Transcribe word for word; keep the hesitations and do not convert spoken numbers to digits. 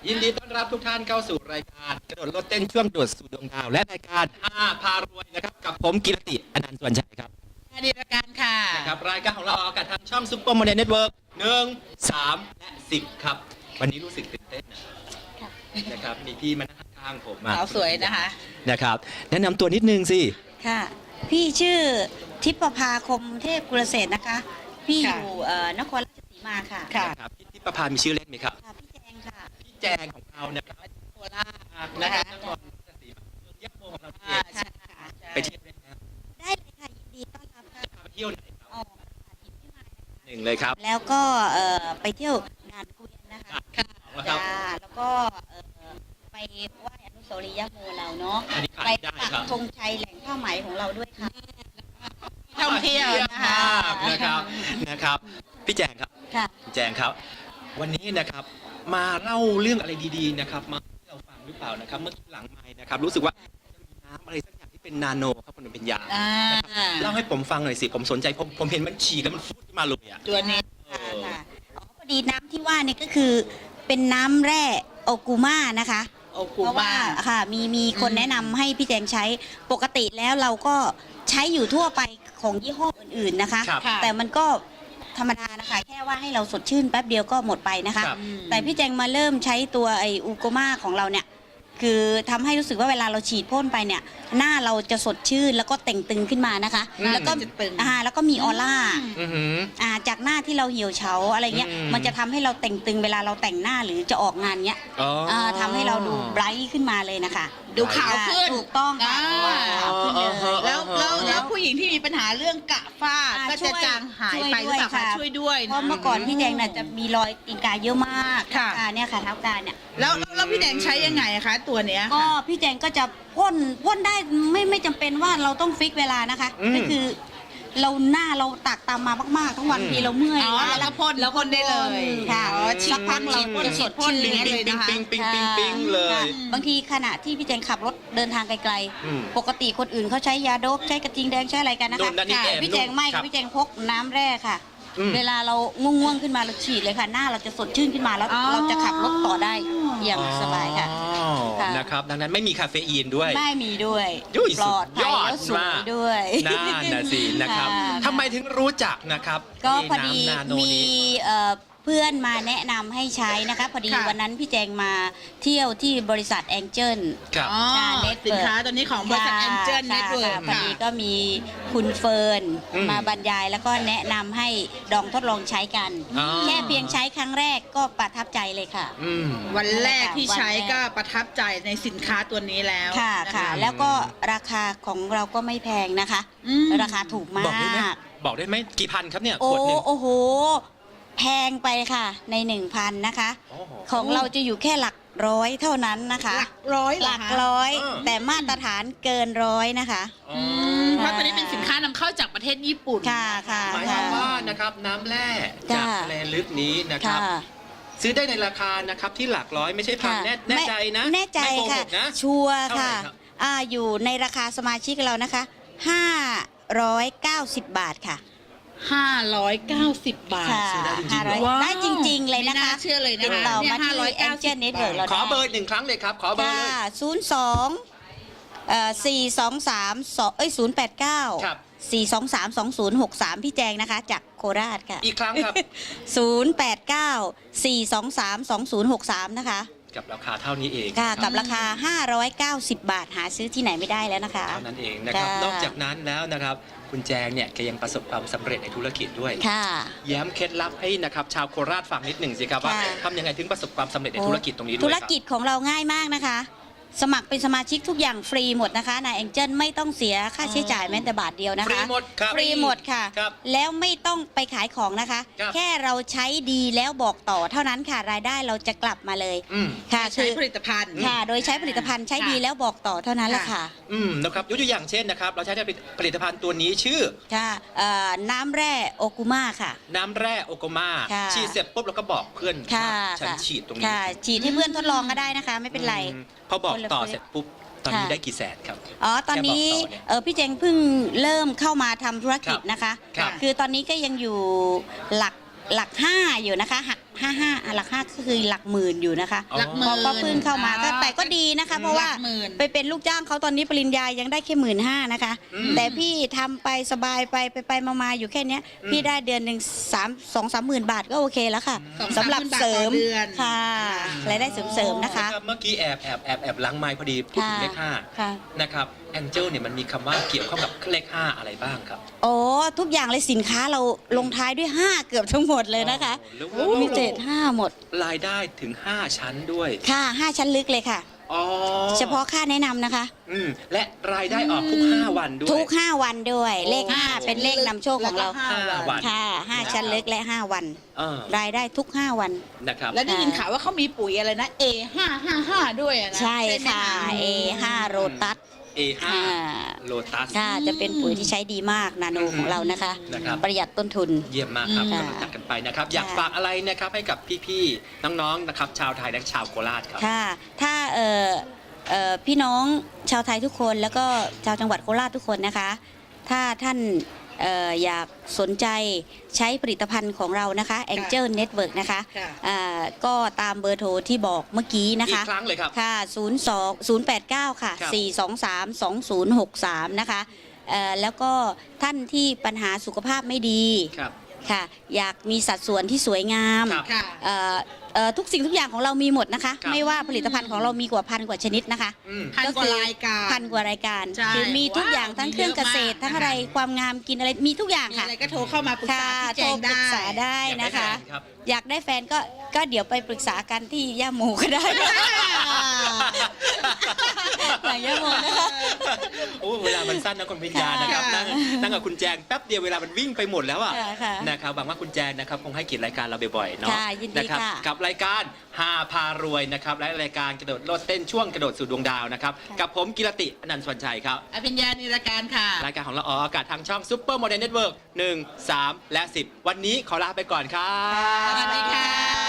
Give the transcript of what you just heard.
ยินดีต้อนรับทุกท่านเข้าสู่รายการกระโดดโลดเต้นช่วงโดดสู่ดวงดาวและรายการอาพารวยนะครับกับผมกิรติอนันต์สวนชัยครับดีรายการค่ะนะครับรายการของเราออกอากาศทางช่องซุปเปอร์โมเดลเน็ตเวิร์กหนึ่งสามและสิบครับวันนี้รู้สึกตื่นเต้นนะครับมีพี่มานั่งข้างผมมาสาวสวยนะคะนะครับแนะนำตัวนิดนึงสิค่ะพี่ชื่อทิพภาคมเทพกุลเศรษฐ์นะคะพี่อยู่นครราชสีมาค่ะครับพี่ทิพภามีชื่อเล่นไหมครับพี่แจงค่ะพี่แจงของเรานะครับโคราชนะครับนครราชสีมาเมืองยะโมของเราเองไปเที่ยวได้ไหมได้เลยค่ะยินดีต้อนรับค่ะไปเที่ยวไหนครับหนึ่งเลยครับแล้วก็ไปเที่ยวงานเกวียนนะคะจ้าแล้วก็ไปไหว้อนุสาวรีย์ยะโมเราเนาะไปปักธงชัยแหล่งผ้าไหมของเราด้วยค่ะท่องเที่ยวนะคะนะครับนะครับพี่แจงครับพี่แจงครับวันนี้นะครับมาเล่าเรื่องอะไรดีๆนะครับมาให้เราฟังหรือเปล่านะครับเมื่อกี้หลังไมค์นะครับรู้สึกว่าจะมีน้ำอะไรสักอย่างที่เป็นนาโนครับมันเป็นยาเล่าให้ผมฟังหน่อยสิผมสนใจผมผมเห็นมันฉี่แล้วมันฟูดขึ้นมาเลยอ่ะตัวนี้ค่ะอ๋อพอดีน้ำที่ว่านี่ก็คือเป็นน้ำแร่โอกูม่านะคะเพราะว่าค่ะมีมีคนแนะนำให้พี่แจงใช้ปกติแล้วเราก็ใช้อยู่ทั่วไปของยี่ห้ออื่นๆนะคะแต่มันก็ธรรมดานะคะแค่ว่าให้เราสดชื่นแป๊บเดียวก็หมดไปนะคะแต่พี่แจงมาเริ่มใช้ตัวไออูโกมาของเราเนี่ยคือทำให้รู้สึกว่าเวลาเราฉีดพ่นไปเนี่ยหน้าเราจะสดชื่นแล้วก็เต่งตึงขึ้นมานะคะแล้วก็อ่าแล้วก็มีออร่าอ่าจากหน้าที่เราเหี่ยวเฉาอะไรเงี้ยมันจะทำให้เราเต่งตึงเวลาเราแต่งหน้าหรือจะออกงานเงี้ยทำให้เราดูไบรท์ขึ้นมาเลยนะคะดูขาวขึ้นถูกต้องค่ะขาวขึ้นเลยแล้วแล้วแล้วผู้หญิงที่มีปัญหาเรื่องกระฝ้าก็จะจางหายไปหรือเปล่าคะช่วยด้วยเพราะเมื่อก่อนพี่แดงน่ะจะมีรอยตีนกาเยอะมากค่ะเนี่ยค่ะเท้ากาเนี่ยแล้วแล้วพี่แดงใช้ยังไงคะตัวเนี้ยก็พี่แดงก็จะพ่นพ่นได้ไม่ไม่จำเป็นว่าเราต้องฟิกเวลานะคะก็คือเราหน้าเราตักตามมามากๆทั้งวันทีเราเมื่อยแล้วพ่นแล้วพ่นได้เลยค่ะสักพักเราพ่นสดพ่นอย่างนี้เลยนะคะปิ๊งปิ๊งปิ๊งปิ๊งเลยบางทีขณะที่พี่แจงขับรถเดินทางไกลๆปกติคนอื่นเขาใช้ยาโดบใช้กระทิงแดงใช้อะไรกันนะคะพี่แจงไม่ค่ะพี่แจงพกน้ำแร่ค่ะเวลาเราง่วงๆขึ้นมาเราฉีดเลยค่ะหน้าเราจะสดชื่นขึ้นมาแล้วเราจะขับรถต่อได้อย่างสบายค่ะนะครับดังนั้นไม่มีคาเฟอีนด้วยไม่มีด้วยปลอดภัยแล้วสวยด้วยน่าน่ะสินะครับทำไมถึงรู้จักนะครับก็พอดีมีเพื่อนมาแนะนำให้ใช้นะคะพอดีวันนั้นพี่แจงมาเที่ยวที่บริษัทแองเจิลสินค้าตัวนี้ของบริษัทแองเจิลเน็ตเวิร์กพอดีก็มีคุณเฟิร์นมาบรรยายแล้วก็แนะนำให้ลองทดลองใช้กันแค่เพียงใช้ครั้งแรกก็ประทับใจเลยค่ะวันแรกที่ใช้ก็ประทับใจในสินค้าตัวนี้แล้วค่ะค่ะแล้วก็ราคาของเราก็ไม่แพงนะคะราคาถูกมากบอกได้ไหมกี่พันครับเนี่ยขวดหนึ่งโอ้โหแพงไปค่ะในหนึ่งพันนะคะของเราจะอยู่แค่หลักร้อยเท่านั้นนะคะหลักร้อยหลักร้อยแต่มาตรฐานเกินร้อยนะคะเพราะตอนนี้เป็นสินค้านำเข้าจากประเทศญี่ปุ่นค่ะค่ะหมายความว่านะครับน้ำแร่จากทะเลลึกนี้นะครับซื้อได้ในราคานะครับที่หลักร้อยไม่ใช่พันแน่ใจนะแน่ใจค่ะชัวร์ค่ะอ่าอยู่ในราคาสมาชิกเรานะคะห้าร้อยเก้าสิบบาทค่ะห้าร้อยเก้าสิบบาทได้จริงๆเลยนะคะเชื่อเลยนะติดต่อมาที่แองเจิลเน็ตเวิร์กเราขอเบอร์หนึ่งครั้งเลยครับขอเบอร์เลยศูนย์สองสี่สองสามเอ้ยศูนย์แปดเก้าสี่สองสามสองศูนย์หกสามพี่แจงนะคะจากโคราชค่ะอีกครั้งครับศูนย์แปดเก้าสี่สองสามสองศูนย์หกสามนะคะกับราคาเท่านี้เองค่ะกับราคาห้าร้อยเก้าสิบบาทหาซื้อที่ไหนไม่ได้แล้วนะคะเท่านั้นเองนะครับนอกจากนั้นแล้วนะครับคุณแจงเนี่ยแกยังประสบความสำเร็จในธุรกิจด้วยค่ะแย้มเคล็ดลับให้นะครับชาวโคราชฟังนิดหนึ่งสิครับว่าทำยังไงถึงประสบความสำเร็จในธุรกิจตรงนี้ด้วยธุรกิจของเราง่ายมากนะคะสมัครเป็นสมาชิกทุกอย่างฟรีหมดนะคะนายแองเจิลไม่ต้องเสียค่าใช้จ่ายแม้แต่บาทเดียวนะคะฟรีหมดครับฟรีหมดค่ะแล้วไม่ต้องไปขายของนะคะแค่เราใช้ดีแล้วบอกต่อเท่านั้นค่ะรายได้เราจะกลับมาเลยค่ะใช้ผลิตภัณฑ์ค่ะโดยใช้ผลิตภัณฑ์ใช้ดีแล้วบอกต่อเท่านั้นแหละค่ะอืมนะครับยกตัวอย่างเช่นนะครับเราใช้ผลิตภัณฑ์ตัวนี้ชื่อค่ะน้ำแร่โอกุมาค่ะน้ำแร่โอกุมาฉีดเสร็จปุ๊บเราก็บอกเพื่อนฉันฉีดตรงนี้ฉีดให้เพื่อนทดลองก็ได้นะคะไม่เป็นไรพอบอกต่อเสร็จปุ๊บตอนนี้ได้กี่แสนครับอ๋อตอนนี้เออพี่เจงเพิ่งเริ่มเข้ามาทำธุรกิจนะคะคือตอนนี้ก็ยังอยู่หลักหลักห้าอยู่นะคะห้าห้าหลักห้าก็คือหลักหมื่นอยู่นะคะอ๋อหลักหมื่นพอพอเพิ่งเข้ามาก็อ๋อแต่ก็ดีนะคะ เพราะว่าหลักหมื่นไปเป็นลูกจ้างเขาตอนนี้ปริญญายังได้แค่หมื่นห้านะคะอืมแต่พี่ทำไปสบายไปไปไปมาๆอยู่แค่เนี้ยอืมพี่ได้เดือนหนึ่งสามสองสามหมื่นบาทก็โอเคแล้วค่ะสองสำหรับเสริมสามหมื่นบาทต่อเดือนค่ะรายได้เสริมๆนะคะรับเมื่อกี้แอบแอบแอบแอบล้างไม้พอดีพูดถึงเลขห้าค่ะนะครับแองเจิลเนี่ยมันมีคำว่าเกี่ยวข้องกับเลขห้าอะไรบ้างครับโอ้ทุกอย่างเลยสินค้าเราลงท้ายด้วยห้าเกือบทั้งหมดเลยนะคะโอ้โหมีเจ็ดห้าหมดรายได้ถึงห้าชั้นด้วยค่ะห้าชั้นลึกเลยค่ะอ๋อเฉพาะค่าแนะนำนะคะอืมและรายได้ออกทุกห้าวันด้วยทุกห้าวันด้วย เลขโอ้ห้าเป็นเลขนำโชคของเราแล้วก็ห้าห้าวันค่ะห้าชั้นลึกและห้าวันเออรายได้ทุกห้าวันนะครับแล้วได้ยินข่าวว่าเขามีปุ๋ยอะไรนะ เอ ห้า ห้า ห้า ด้วยอะนะใช่ไหมค่ะ เอห้าโรตัสเอ ห้าอ่าโลตัสค่ะจะเป็นปุ๋ยที่ใช้ดีมากนาโนของเรานะคะนะครับประหยัดต้นทุนเยี่ยมมากครับอืมกำลังจัดกันไปนะครับ อยากค่ะฝากอะไรนะครับให้กับพี่ๆน้องๆนะครับชาวไทยและชาวโคราชครับค่ะ ถ้าเอ่อเอ่อพี่น้องชาวไทยทุกคนแล้วก็ชาวจังหวัดโคราชทุกคนนะคะ ถ้าท่านเอ่ออยากสนใจใช้ผลิตภัณฑ์ของเรานะคะ Angel Network นะคะค่ะอ่าก็ตามเบอร์โทรที่บอกเมื่อกี้นะอีกคะครั้งเลยครับค่ะ ศูนย์ สอง ศูนย์ แปด เก้า ค่ะครับสี่ สอง สาม สอง ศูนย์ หก สาม นะคะเอ่อแล้วก็ท่านที่ปัญหาสุขภาพไม่ดีครับค่ะ อยากมีสัดส่วนที่สวยงามครับค่ะเอ่อเอ่อทุกสิ่งทุกอย่างของเรามีหมดนะคะครับไม่ว่าผลิตภัณฑ์ของเรามีกว่าพันกว่าชนิดนะคะอืมพันกว่ารายการพันกว่ารายการใช่คือมีทุกอย่างว้าวทั้งเครื่องเกษตรมีเยอะมากทั้งอะไรความงามกินอะไรมีทุกอย่างมีค่ะอะไรก็โทรเข้ามาปรึกษาค่ะพี่แจโทรง ปรึได้กษาได้อยากได้นะคะแฟนครับอยากได้แฟนก็ก็เดี๋ยวไปปรึกษากันที่ย่าโมก็ได้ หลังย่าโมนะคะโอ้เวลามันสั้นนะคุณพิญญานะครับค่ะนั่งนั่งกับคุณแจงแป๊บเดียวเวลามันวิ่งไปหมดแล้วอ่ะค่ะค่ะนะครับหวังว่าคุณแจงนะครับคงให้เกียรติรายการเราบ่อยๆเนาะค่ะยินดีนะครับค่ะกับรายการฮาพารวยนะครับและรายการกระโดดโลดเต้นช่วงกระโดดสู่ดวงดาวนะครับค่ะกับผมกิรติอนันต์สวรรณชัยครับอภิญญานิรการค่ะรายการของเราออกอากาศทางช่องซุปเปอร์โมเดลเน็ตเวิร์กหนึ่ง สาม และ สิบ วันนี้ขอลาไปก่อนครับสวัสดีค่ะ